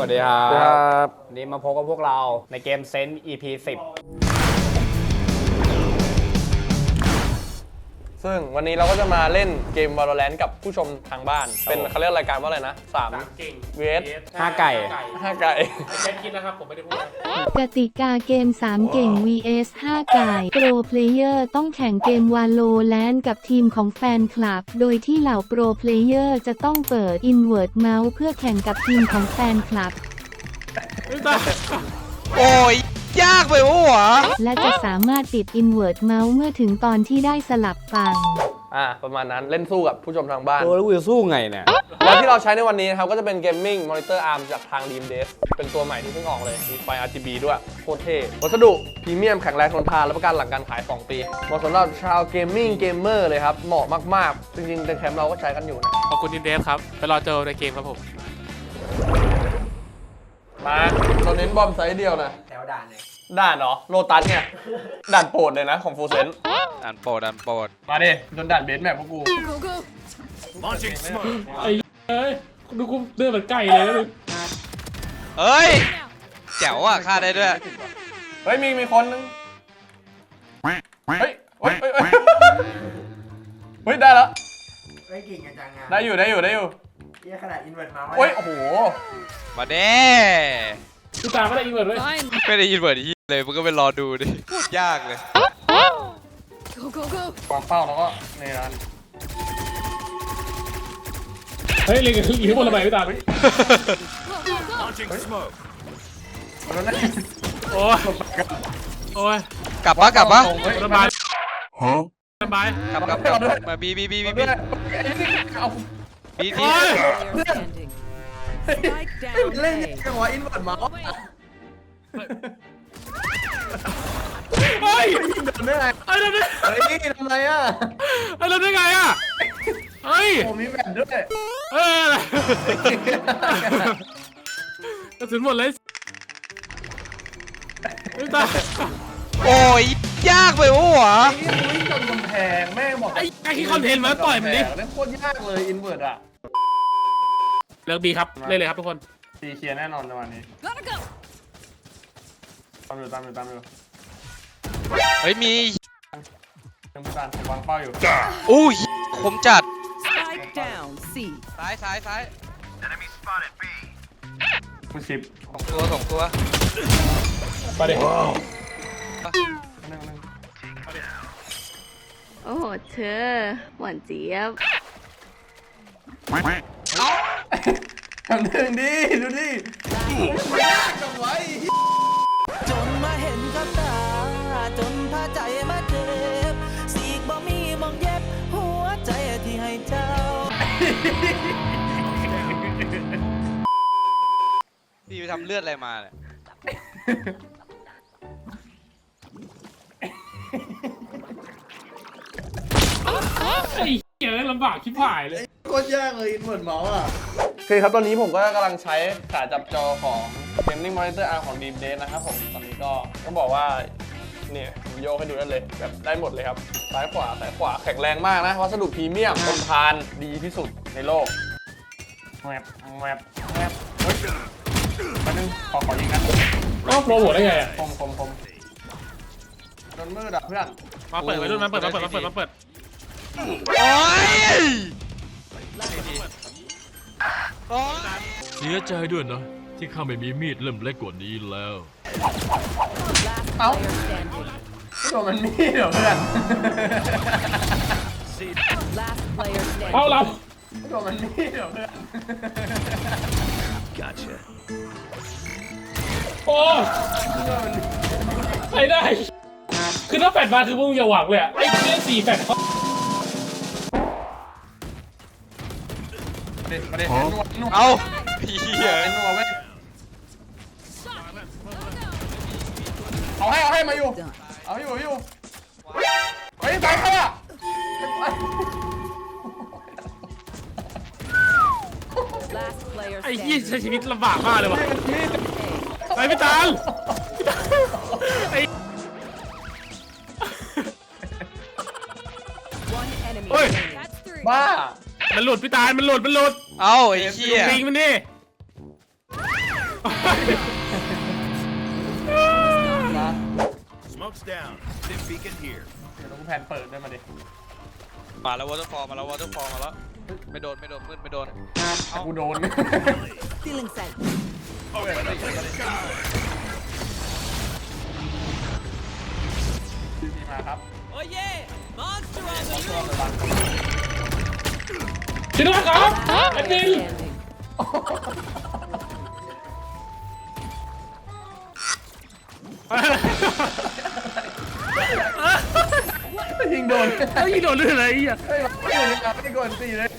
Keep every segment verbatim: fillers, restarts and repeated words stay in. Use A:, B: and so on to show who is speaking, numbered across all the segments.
A: วัสดีครับ
B: วันนี้มาพบกับพวกเราในเกมเซนต์ อี พี สิบ
C: ซึ่งวันนี้เราก็จะมาเล่นเกม Valorant กับผู้ชมทางบ้าน เป็นเขาเรียกรายการว่าอะไรนะสาม
D: เก่ง
C: เวส
B: ห้าไก่
C: ห้าไก่
D: เช่นคิดนะครับผมไม่ได้พูด
E: กติกาเกมสามเก่ง วี เอส ห้าไก่โปรเพลเยอร์ต้องแข่งเกม Valorant กับทีมของแฟนคลับ โดยที่เหล่าโปรเพลเยอร์จะต้องเปิด Invert Mouse เพื่อแข่งกับทีมของแฟนคลับ
A: โอ้ยยากไปวะวะ
E: และจะสามารถติด Invert Mouse เมื่อถึงตอนที่ได้สลับฝั่ง
C: อ่าประมาณนั้นเล่นสู้กับผู้ชมทางบ้าน
B: ตัวแล้วกูจะสู้ไงเนี่ย
C: แล้วที่เราใช้ในวันนี้นะครับก็จะเป็น Gaming Monitor Arm จากทาง Dream Desk เป็นตัวใหม่ที่เพิ่งออกเลยมีไฟ อาร์ จี บี ด้วยโคตรเท่วัสดุพรีเมียมแข็งแรงทนทานและประกันหลังการขายสองปีเหมาะสำหรับชาวเกมมิ่งเกมเมอร์เลยครับเหมาะมากๆจริงๆในแคมป์เราก็ใช้กันอยู่นะ
D: ขอบคุณดินเดฟครับไปรอเจอในเกมครับผม
C: มาเราเน้นบอมไซส์เดียวนะ
B: แถวด่านเลย
C: ด่านเหรอโลตัสเนี่ยด่านโปรดเลยนะของฟูเซน
A: ดันโปรดดันโปรด
C: มาดิจนด่านเบสแมปพวกกู
D: ไอ้เอ้ยดูกูเดินเหมือนไก่เลยนะ
A: เฮ้ยแจ๋วอ่ะฆ่าได้ด้วย
C: เฮ้ยมีมีคนนึงเฮ้ยเฮ้ยเฮ้ยเฮ้ยเฮ้ยได้แล้ว
F: เฮ้ยเก่งกันจังงาน
C: ได้อยู่ได้อยู่ได้อยู่
F: เยี่ยขนาดอินเวอร์ตมา
C: เฮ้ยโอ้โห
A: มาเด้
D: กูตามไม่ได้อีเวิร์ดเลย
A: ไม่ได้ยินเวิร์ดที่เลยมึงก็ไปรอดูดิพูดยากเลย
C: วางเป้าแล้วก็ในร้าน
D: เฮ้ยเล็งอยู่ข้างบนระเบิดไม่ตาม
C: แล้วนั่น
D: โอ้ยโอ้ย
A: กลับปะกลับปะ
D: ระบายระบาย
A: กลับกลับกลับมาบีบีบีบีบี
C: ไอ้นี่เอา
A: บีที
F: เล่นจังหวะอินเวอร์ตมา
D: เฮ้ย
F: โดนได้ไง
D: ไอ้เราได้
F: เฮ้ยทำไรอ่ะ
D: ไอ้เราได้ไงอ่ะเฮ้ย
F: ผมมีแบตด้วย
D: เฮ้ยกระสุนหมดเลยไม่ตาย
A: โอ้ยยากไปวะวะ
C: ไอ้นี่วิ่งจนกำแพงแม่งบอก
D: ไอ้ไอ้ที่คอนเทนต์มาต่อยมันดิ
C: เล่นโคตรยากเลยอินเวอร์ตอ่ะ
D: เลิกดีครับเล่นเลยครับทุกคน
C: ตีเคลียร์แน่นอนในวันนี้ตามอยู่ตามอยู่ตามอยู่
A: เฮ้ยมี
C: ยังไม่ตามผมวางเป้าอยู่
A: อู้ยคมจัด
G: Spike down, C.
A: ซ้ายซ้ายซ้าย
C: กูชิป
A: สองตัวสองตัว
D: ไปดิ
C: นึงนึง
H: โอ้โหเธอหวานเจี๊ยบ
C: ทำหนึ่งดิดูดิยากจังไว้
G: จนมาเห็นกับตา จนพาใจมาเจ็บสีกบ่มีมองเย็บ หัวใจที่ให้เจ้า
A: พี่ไปทำเลือดอะไรมาเนี่ย
D: ไอ้เหี้ยลำบากชิบหายเลย
F: โคตรยากเลยอินเวอร์ตมาอ่ะ
C: โอเคครับตอนนี้ผมก็กำลังใช้ขาจับจอของ Gaming Monitor Arm ของ Dream Desk นะครับผมตอนนี้ก็ต้องบอกว่าเนี่ยผมโยกให้ดูได้เลยแบบได้หมดเลยครับซ้ายขวาซ้ายขวาแข็งแรงมากนะวัสดุพรีเมียมทนทานดีที่สุดในโลกแวบแวบแวบเฮ้ยแป๊บนึงขอขอยิงนะ
D: ก็โปรโมทได้ไงอ่ะ
C: คมคมคมโดนมืดอ่ะเพื่อน
D: มาเปิดไปรุ่นมาเปิดมาเปิดมาเปิดมาเปิด
A: โอ้ยโอ้ย
I: เสียใจด้วยนะ ที่ข้าไม่มีมีดเล่มเล็กกว่านี้แล้ว
C: เอ้าไม่โดนมันมีเหรอเพื่อน
G: Last player standing.
D: เอาเรา
C: ไม่โดนมันมีเหรอเพื่อน
D: โอ้ไอ้ได้ คือถ้าแฟดมาคือมึงอย่าหวังเลยอ่ะไอ้เล่นสี่แฟดเขา
C: มาดิมาดินวดนวด
A: เอาพี่เหี้ย
C: เป็นนัวเว้ยเอาให้เอาให้มาอยู่เอาให้อยู่ให้อยู่เฮ้ยตายใครอ่ะ
G: Last player
D: ไอ้ยี่
G: standing.
D: ใช้ชีวิตลำบากมากเลยวะไอ้พี่ตาลไอ้
G: One enemy
D: Oi.
G: remaining.
C: บ้า
D: มันหลุดพี่ตาลมันหลุดมันหลุด
A: เอาไอ้เหี้ย
D: ยิงมันดิ
C: เดี๋ยวต้องแพนเปิดด้วยมาดิ
A: มาแล้ววอเตอร์ฟอลมาแล้ววอเตอร์ฟอลมาแล้วไม่โดนไม่โดนมืดไม่โดน
C: เอากูโดน
G: Feeling safe
C: นี่มาครับ
G: โอ้ย Monster on the
C: ช่วงระวัง
D: ชิโน่ครับแอดมิน
C: ยิงโดน
D: ไอ้ยี่โดนเรื่องอะไรอ่ะ
C: เฮ้ยไม่อยู่ในกาไม่ได้โดนตีเลย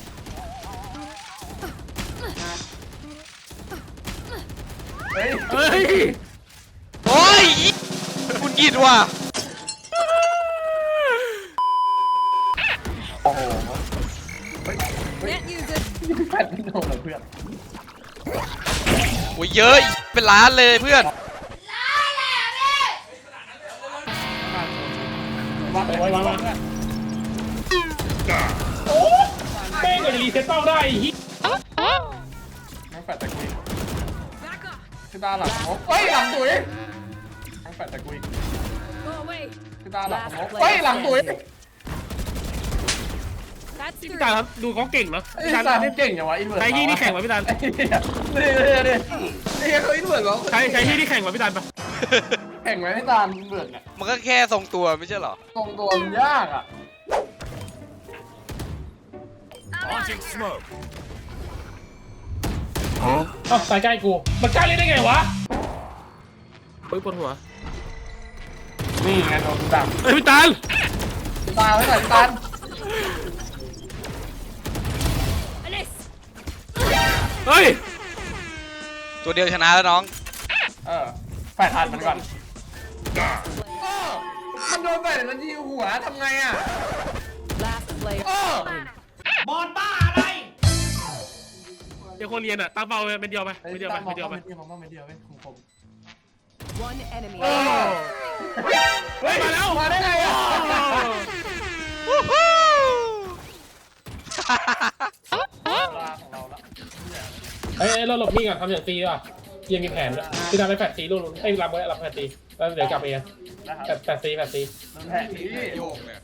C: เฮ้ย
D: เฮ้ย
A: โอ้ยคุณหยิดว่ะ
C: โอ้โหเฮ้ยเฮ้ยยิงแฟนไม่โดนเหรอเพื่อน
A: โอ้ยเยอะเป็นล้านเลยเพื่อน
C: วางไป
D: ไว้วางวาง
C: เพื่อน
D: แม่งก็จะรีเซ็ตเป้าได้ฮิ
C: น้องแฟดตะกุยพี่ตาหลังงบเฮ้ยหลังตุ๋ยน้องแฟดตะกุยพี่ตาหลังงบเฮ้ยหลังตุ๋ย
D: พี่ตาครับดูเขาเก่งเนาะ
C: ไอ้
D: พี่ตา
C: ตาเก่งอย่างวะอินเวอร์
D: ใช้ที่นี่แข่งกว่าพี่ตา
C: นี่นี่นี่นี่เขาอินเวอร์เหรอ
D: ใช้ใช้ที่นี่แข่งกว่าพี่ตาปะ
C: แข่งไหมพี่ตาอินเวอร์เนี่ย
A: มันก็แค่ทรงตัวไม่ใช่เหรอ
C: ตรงตัวมันยากอ่ะ
D: เอ้าสายใกล้กูมันกล้าเล่นได้ไงวะเฮ้ยปวดหัว
C: นี่ไงโดนดัก
D: เฮ้ยพี่ตา
C: พี่ตาไว้หน่อยพี่ตา
D: เฮ้ย
A: ตัวเดียวชนะแล้วน้อง
C: เออแฟดอัดมันก่อนมันโดนแฟดมันยิงหัวทำไงอ่ะ
G: Last player
D: เดี๋ยวคนเรียนอ่ะตั้งเป้าไปเป็นเดียวไป
C: เฮ้ย
D: เป็นเดียวไป
C: ตามม
D: เป็นเดียวไป
C: เดียวมองไม่เดียวเว้ยคมคม
G: One enemy
D: เฮ้ยมาแล้ว
C: มาได้ไงอ่ะ ของเราละ
D: เฮ้ยเราหลบนี่ก่อนทำอย่างตีดีกว่ายังมีแผนด้วยพี่ตาไปแฟดตีลูกไอ้รับไว้รับแฟดตีแล้วเดี๋ยวกลับไปเอง
C: นะครับ
D: แฟดตีแฟดตี
C: โดนแทงนี่
A: โยกเลย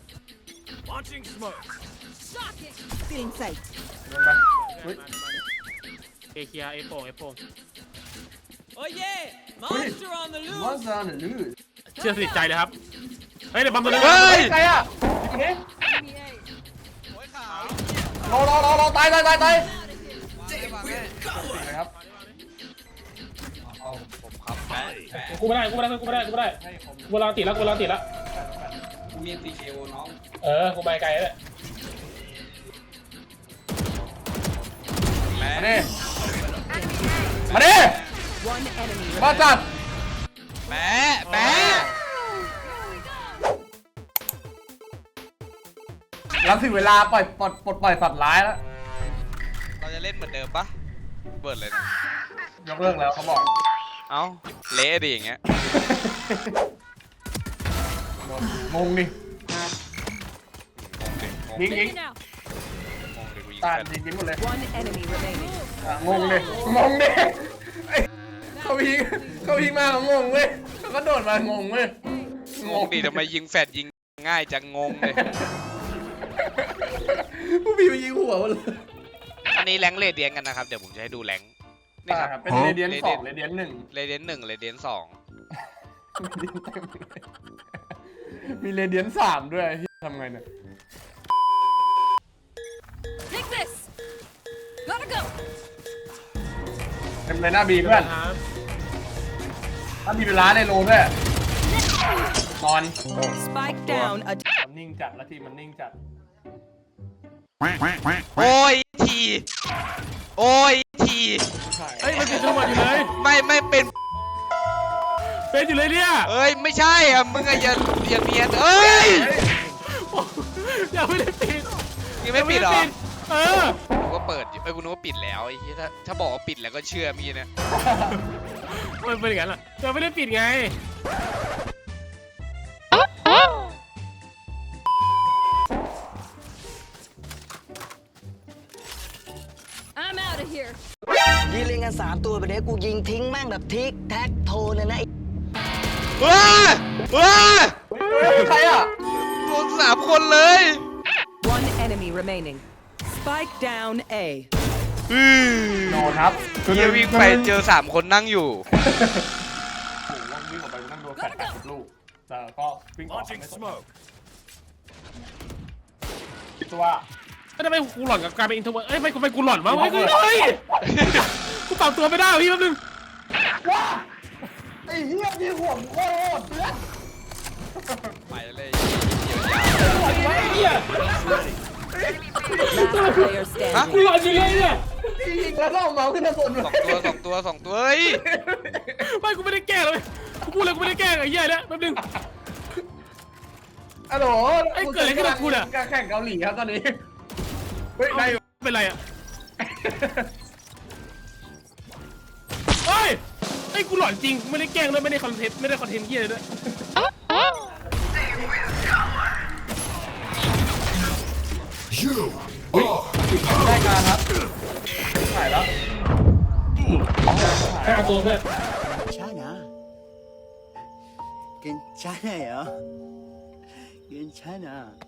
G: feeling safe
C: โดนไปเฮ้ย
D: เอเคียเอโป่งเอโป่ง
G: โอ้ย Monster on the
C: ว่า
G: loose
C: ซานลูด
D: เชื่อสนิทใจเลยครับเฮ้ยเดี๋ยวบัมตัวนึง
A: เฮ้ย
C: ใครอ่ะนี่รอรอรอรอตายตายตายตายนะครับ
A: ผมครับแม่
D: กูไม่ได้กูไม่ได้กูไม่ได้กูไม่ได้กูรอติดแล้วกูรอติดแล้ว
A: มีตีเคโอน้อง
D: เออกูไปไกลแล้ว
A: แม่
C: มาดิมาดิ
G: One enemy
C: มาจัด
A: แม่แม่
C: แล้วถึงเวลาปล่อยปลดปลดปล่อยสัตว์ร้ายแล้ว
A: เราจะเล่นเหมือนเดิมปะเบิร์ดเลยนะ
C: ยกเลิกแล้วเขาบอก
A: เอ้าเละดิอย่างเงี้ย
C: งงดิ
A: งงดิ
C: ยิงยิง
A: งงดิกูยิง
C: ตา
A: แฟน
C: ยิงยิงหมดเลย
G: One enemy remaining
C: อ่ะงงดิงงดิเอ้ยเขาพิงเขาพิงมาเขางงเว้ยเขาก็โดดมางงเว้ย
A: งงดิทำไมยิงแฟดยิงง่ายจังงงเลย
C: ผู้พี่ไปยิงหัวมันเลย
A: อันนี้แรงค์เรเดียนกันนะครับ เดี๋ยวผมจะให้ดูแรงค์นี่
C: อ่า
A: ครับ
C: เป็นเรเดียนสองเรเดียนหนึ่ง
A: เรเดียนหนึ่งเรเดียนสอง
C: มีเรเดียนสามด้วยที่ทำไงเนี่ย
H: Take this. Gotta go.
C: เต็มเลยหน้าบีเพื่อนถ้ามีเวลาในโลด้วยนอน
G: Spike down a
C: มันนิ่งจัดแล้วทีมันนิ่งจัด
A: โอ้ยทีโอ้ยที
D: เฮ้ยมันเป็นจังหวะอยู่เลย
A: ไม่ไม่เป็น
D: เป็นอยู่เลยเนี่ย
A: เอ้ยไม่ใช่อ่ะมึงอะอย่าอย่าเนียนเอ้ย
D: ยังไม่ได้ปิด
A: ยังไม่ปิดเหรอ
D: เออ
A: กูก็เปิดอยู่เอ้ยกูนึกว่าปิดแล้วไอ้ที่ถ้าถ้าบอกว่าปิดแล้วก็เชื่อมีเนี่ย
D: มันเป็นอย่างนั้นแหละยังไม่ได้ปิดไง
H: I'm out of here.
J: ยิงเล่นกันสามตัวไปเดี๋ยวกูยิงทิ้งแม่งแบบทิกแท็กโทเลยนะไอ้
A: ว้าว้า
C: ใครอ่ะ
A: โดนสามคนเลย
G: One enemy remaining. Spike down A.
A: อือ
C: โนครับ
A: เฮียวิ่งไปเจอสามคนนั่งอยู่
C: โอ้โหวิ่งออกไปนั่งโดนแฟดแปดสิบลูกแต่ก็วิ่งออกไม่สนตัว
D: ทำไมกูหล่อนกับกลายเป็นอินโทรเวิร์ดเอ้ยไม่กูไม่กูหล่อนวะเฮ้ยเฮ้ยกูปรับตัวไม่ได้พี่แป๊บนึง
C: ว้าไอ้เหี้ยมีห่วงโคตรเพื่อน
A: ไปเลยเดี๋ยวยาว
D: ไอ้เหี้ย
G: Last player standing.
D: กูหล่อนจริงเลยเนี่ย
C: ยิงแล้วก็เอาเมาส์ขึ้นมาบน
A: สองตัวสองตัวสองตัวเฮ้ย
D: ไม่กูไม่ได้แกล้งเลยกูพูดเลยกูไม่ได้แกล้งไอ้เหี้ยเนี่ยแป๊บนึง
C: อะโหล
D: ไอ้เกิดอะไรขึ้นกับคุณอะ
C: การแข่งเกาหลีครับตอนนี้เฮ้ยได้อยู่
D: เป็นไรอ่ะเฮ้ยไอ้กูหล่อนจริงไม่ได้แกล้งด้วยไม่ได้คอนเทนต์ไม่ได้คอนเทนต์เหี้ยเลยด้วย
C: ได้การครับถ่ายแล้ว
D: ให้เอาตัวเพื่อน
F: 괜찮아. 괜찮아요. 괜찮아.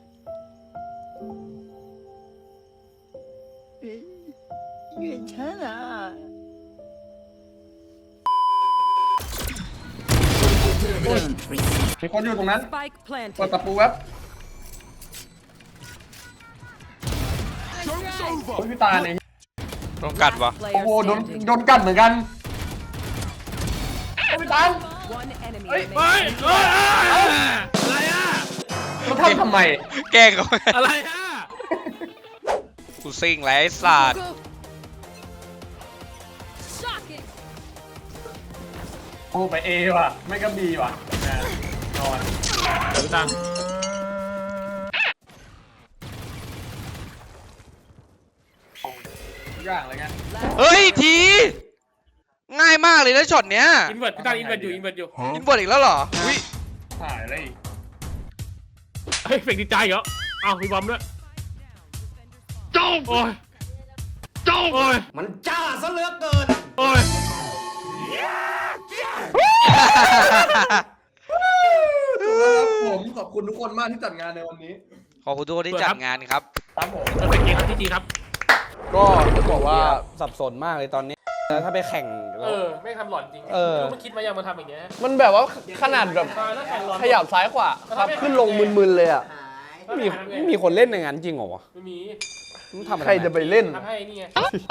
F: 괜찮아.
C: มีคนอยู่ตรงนั้น
G: Spike
C: เปิด
G: planted.
C: ตะปูแวบโอ้ยพี่ตาเนี่ย
A: โดนกัดวะ
C: โอ้
G: Player
C: โหโดน
G: standing.
C: โดนกัดเหมือนกันโอ้ยพี่ตา
G: One enemy
C: เฮ้ย
D: เฮ้ย
G: remaining.
D: เฮ้ยอะไรอ่ะ
C: เขาทำทำไม
A: แกล้งเขา
D: อะไรอ่ะ
A: กูซิ่งแล้วไอ้ศาสตร์
H: Go. Shocking.
C: โอ้ไปเอว่ะ ไม่ก็บีว่ะแน่นอน
D: เดี๋ยวตัง
C: ทุกอย่างเลยไง
A: เฮ้ยที ง่ายมากเลยนะช็อตเนี้ย
D: อินเวอร์ตพี่ตังอินเวอร์ตอยู่อินเวอร์ตอยู่
A: อินบอดอีกแล้วเหรออุ้ย
C: ถ่ายอะไรอีก
D: เฮ้ยเฟกดีใจเหรออ้าวมีบอมด้วยจ้องโอ้ยจ้องโอ้ย
F: มันจ้าซะเหลือเกิน
D: โอ้ย
C: ผมขอบคุณทุกคนมากที่จัดงานในวันนี้
A: ขอบคุณทุกคนที่จัดงานครับ
C: ครับผม
D: เออเป็นเกมครับที่จีครับ
B: ก็จะบอกว่าสับสนมากเลยตอนนี้แล้วถ้าไปแข่ง
D: เออไม่ทำหล่อนจริง
B: เออ
D: ไม่รู้มันคิดมายังมาทำอย่างเงี้ย
C: มันแบบว่าขนาดแบบ
D: ตายแล้วแข่งหล่อน
C: ขยับซ้ายขวาครับขึ้นลงมึนๆเลยอ่ะ
B: ไม่มีไม่มีคนเล่นในงานจริงเหรอวะ
D: ไม่มี
B: มันทำอะไร
C: ใครจะไปเล่น
D: ทำให้นี่ไง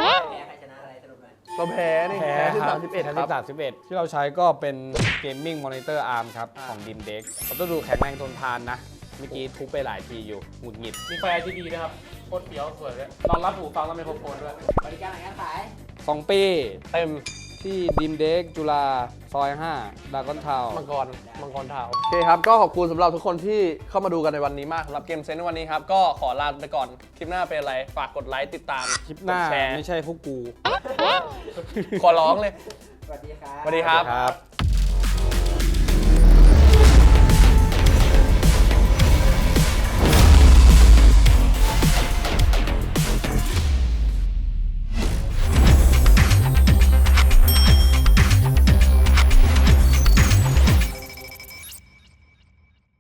C: เราแพ้นี่
B: แพ้
C: แพ้ที่
B: ครั
C: สา
B: บ
C: มสิบเอ็ด
B: แพ้
C: ครั
B: ที่
C: บ
B: สามสิบเอ็ดที่เราใช้ก็เป็น Gaming Monitor Arm ครับ ของ Dim Deck เราต้องดูแข็งแรงทนทานนะ เมื่อกี้ทุบไปหลายทีอยู่หงุดหงิด
D: มีไฟ อาร์ จี บี นะครับโคตรเฟี้ยวสวยเลยรองรับหูฟังแล้วไมโครโฟนด้วย
B: สองปี
C: เต็ม
B: ที่ Dim Deck จุฬาซอยห้าดากอนทาว
C: มังกร มังกรเทาโอเคครับ ก็ขอบคุณสำหรับทุกคนที่เข้ามาดูกันในวันนี้มากสำหรับเกมเซนในวันนี้ครับ ก็ขอลาไปก่อน คลิปหน้าเป็นอะไร ฝากกดไลค์ติดตาม
B: คลิปหน้าก
C: ดแชร์
B: ไม่ใช่พวกกู
C: ขอร้องเลย สวัสดีครับ สวัสดีครับ
B: ครับ